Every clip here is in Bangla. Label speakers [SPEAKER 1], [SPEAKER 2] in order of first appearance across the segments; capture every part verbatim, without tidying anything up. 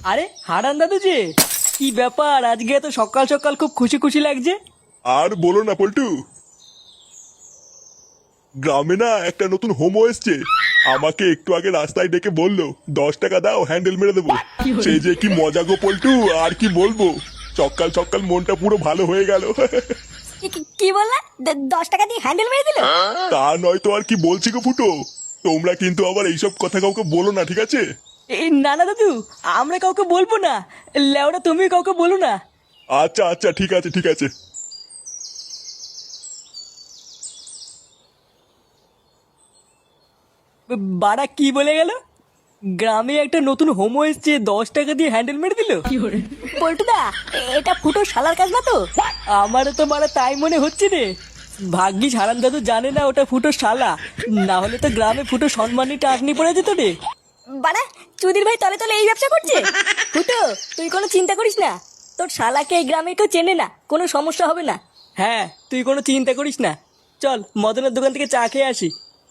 [SPEAKER 1] আরে হারান দাদু যে, কি ব্যাপার আজকে এত সকাল সকাল খুব খুশি খুশি লাগছে?
[SPEAKER 2] আর বলো না পল্টু, গ্রামে না একটা নতুন হোমো এসছে। আমাকে একটু আগে রাস্তায় ডেকে বললো দশ টাকা দাও হ্যান্ডেল মেরে দেবো। সেই যে কি মজা গো পল্টু, আর কি বলবো। সকাল সকাল মনটা পুরো ভালো হয়ে গেল।
[SPEAKER 3] কি- কি- কি বললা? দ- দশ টাকা দিয়ে হ্যান্ডেল মেরে দিল?
[SPEAKER 2] তা নয় তো আর কি বলছি গো ফুটো। তোমরা কিন্তু আবার এইসব কথা কাউকে বলো না, ঠিক আছে?
[SPEAKER 1] এই না না দাদু, আমরা কাউকে বলবো না। লেওরা তুমি কাউকে বলো না।
[SPEAKER 2] আচ্ছা আচ্ছা ঠিক আছে ঠিক আছে।
[SPEAKER 1] বাড়া কি বলে গেল? গ্রামে একটা নতুন হোমো এসছে, দশ টাকা দিয়ে হ্যান্ডেল মেরে দিল।
[SPEAKER 3] পল্টুদা, এটা ফুটো শালার কাজ না তো?
[SPEAKER 1] আমারও তো মারা তাই মনে হচ্ছে রে। ভাগ্যিস হারান দাদু জানে না ওটা ফুটো শালা, না হলে তো গ্রামে ফুটো সম্মানী টাকনি পড়ে যেত রে।
[SPEAKER 3] বাড়া, চুদির ভাই তলে তলে এই ব্যবসা করছে। ফুটো, তুই কোনো চিন্তা করিস না, তোর শালাকে এই গ্রামে কেউ চেনে না, কোনো সমস্যা হবে না।
[SPEAKER 1] হ্যাঁ, তুই কোনো চিন্তা করিস না। চল মদনের দোকান থেকে চা খেয়ে আসি।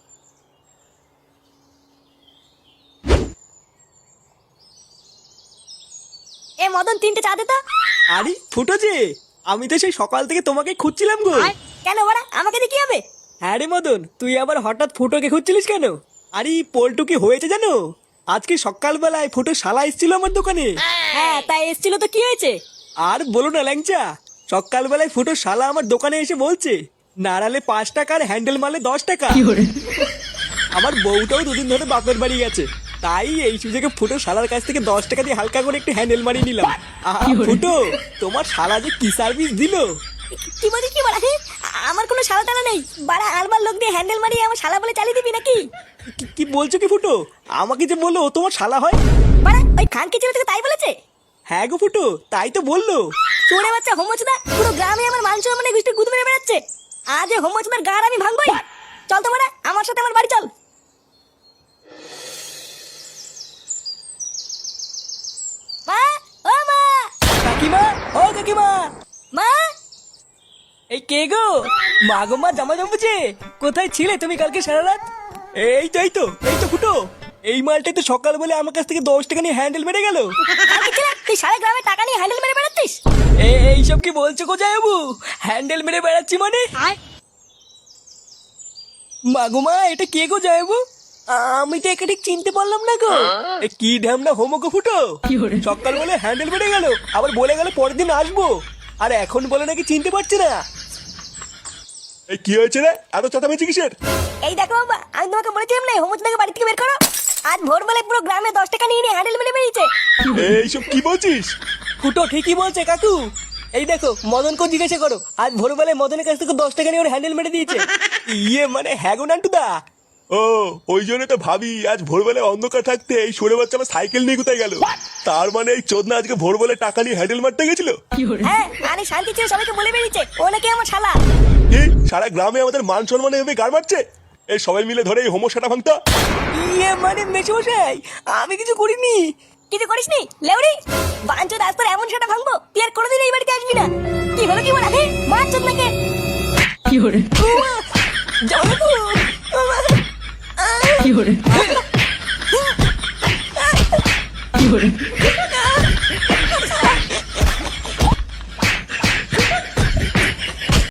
[SPEAKER 3] এ মদন, তিনটে চা দে তো।
[SPEAKER 1] আরে ফুটো যে, আমি তো সেই সকাল থেকে তোমাকে খুঁজছিলাম গো।
[SPEAKER 3] কেন বাড়া, আমাকে দিয়ে কি হবে?
[SPEAKER 1] হ্যাঁ রে মদন, তুই আবার হঠাৎ ফুটোকে খুঁজছিলিস কেন? আরে পল্টু কি হয়েছে জানো? আজকে সকালবেলায় ফুটো শালা এসেছিল আমার দোকানে।
[SPEAKER 3] হ্যাঁ, তাই এসছিল তো কি হয়েছে?
[SPEAKER 1] আর বলো না ল্যাংচা, সকালবেলায় ফুটো শালা আমার দোকানে এসে বলছে নাড়ালে পাঁচ টাকার হ্যান্ডেল মারলে দশ টাকা। আমার বউটাও দুদিন ধরে বাপের বাড়ি গেছে, তাই এই সুযোগে ফুটো শালার কাছ থেকে দশ টাকা দিয়ে হালকা করে একটু হ্যান্ডেল মারিয়ে নিলাম। আহা, ফুটো তোমার শালা যে কি সার্ভিস দিল।
[SPEAKER 3] কি বলি কি বাড়া? হে, আমার কোনো শালা টালা নেই বাড়া। আলবার লোক দিয়ে হ্যান্ডেল মারিয়ে আমার শালা বলে চালিয়ে দিবি নাকি?
[SPEAKER 1] কি- কি বলছো কি ফুটো? আমাকে যে বললো ও তোমার শালা হয়।
[SPEAKER 3] বাড়া, ওই খানকি ছেলে থেকে তাই বলেছে?
[SPEAKER 1] হ্যাঁ গো ফুটো, তাই তো বললো।
[SPEAKER 3] চোরে বাচ্চা হোমচদা পুরো গ্রামে আমার মান সম্মানে গুষ্টি গুদ মেরে বেড়াচ্ছে। আজ এই হোমচদার গাড় আমি ভাঙবই। চল তো বাড়া, আমার সাথে আমার বাড়ি চল। মা, ও মা,
[SPEAKER 1] কাকিমা, ও কাকিমা।
[SPEAKER 3] মা।
[SPEAKER 1] এই কে গো? মা গো মা, জামা জমেছে। কোথায় ছিলে তুমি কালকে সারা রাত? এই তো এই তো এই তো ফুটো, এই মালটাই তো সকাল বলে আমার কাছ থেকে দশ টাকা নিয়ে হ্যান্ডেল মেরে গেল।
[SPEAKER 3] খানকি ছেলে, তুই সারা গ্রামে টাকা নিয়ে হ্যান্ডেল মেরে বেড়াচ্ছিস?
[SPEAKER 1] এই এইসব কি বলছো গো জামাইবাবু? হ্যান্ডেল মেরে বেড়াচ্ছি মানে? মা গো মা, এটা কে গো জামাইবাবু? আমি তো একে ঠিক চিনতে পারলাম না গো। এ কি ঢ্যামনা হোমো গো ফুটো, সকাল বলে হ্যান্ডেল মেরে গেল, আবার বলে গেল পরের দিন আসবো, আর এখন বলে নাকি চিনতে পারছে না।
[SPEAKER 2] এই কি হয়েছে রে, এত চেঁচামেচি কিসের?
[SPEAKER 3] এই দেখো বাবা, আমি তোমাকে বলেছিলাম না হোমচদাকে বাড়ি থেকে বের করো। আজ ভোরবেলায় পুরো গ্রামে দশ টাকা নিয়ে নিয়ে হ্যান্ডেল মেরে বেরিয়েছে।
[SPEAKER 2] এইসব কি বলছিস?
[SPEAKER 1] ফুটো ঠিকই বলছে কাকু। এই দেখো মদনকে জিজ্ঞাসা করো, আজ ভোরবেলায় মদনের কাছ থেকে দশ টাকা নিয়ে ওর হ্যান্ডেল মেরে দিয়েছে। ইয়ে মানে হ্যাঁ গো নান্টুদা।
[SPEAKER 2] ও, ওই জন্য তো ভাবি আজ ভোরবেলায় অন্ধকার থাকতে এই সরে বাচ্চা আমার সাইকেল নিয়ে কোথায় গেল। তার মানে এই চোদনা আজকে ভোরবেলায় টাকা নিয়ে হ্যান্ডেল মারতে গেছিল।
[SPEAKER 3] হ্যাঁ, আরে শান্তি ছিল, সবাইকে বলে বেরিয়েছে ও নাকি আমার শালা।
[SPEAKER 2] কি সারা গ্রামে আমাদের মান সম্মানে এভাবে গাড় মারছে? এই সবাই মিলে ধরে এই হোমোসাটা ভাঙতা।
[SPEAKER 1] ইয়ে মানে মেশমশাই, আমি কিছু করিনি।
[SPEAKER 3] কিছু করিসনি লেউড়ি? বাঞ্চো রাস্তার এমন সেটা ভাঙবো তুই আর কোনোদিন এই বাড়িতে আসবি না। কি হলো কি বলা? হে, মার চোদ নাকি?
[SPEAKER 1] কি করে যাবো কি করে কি করে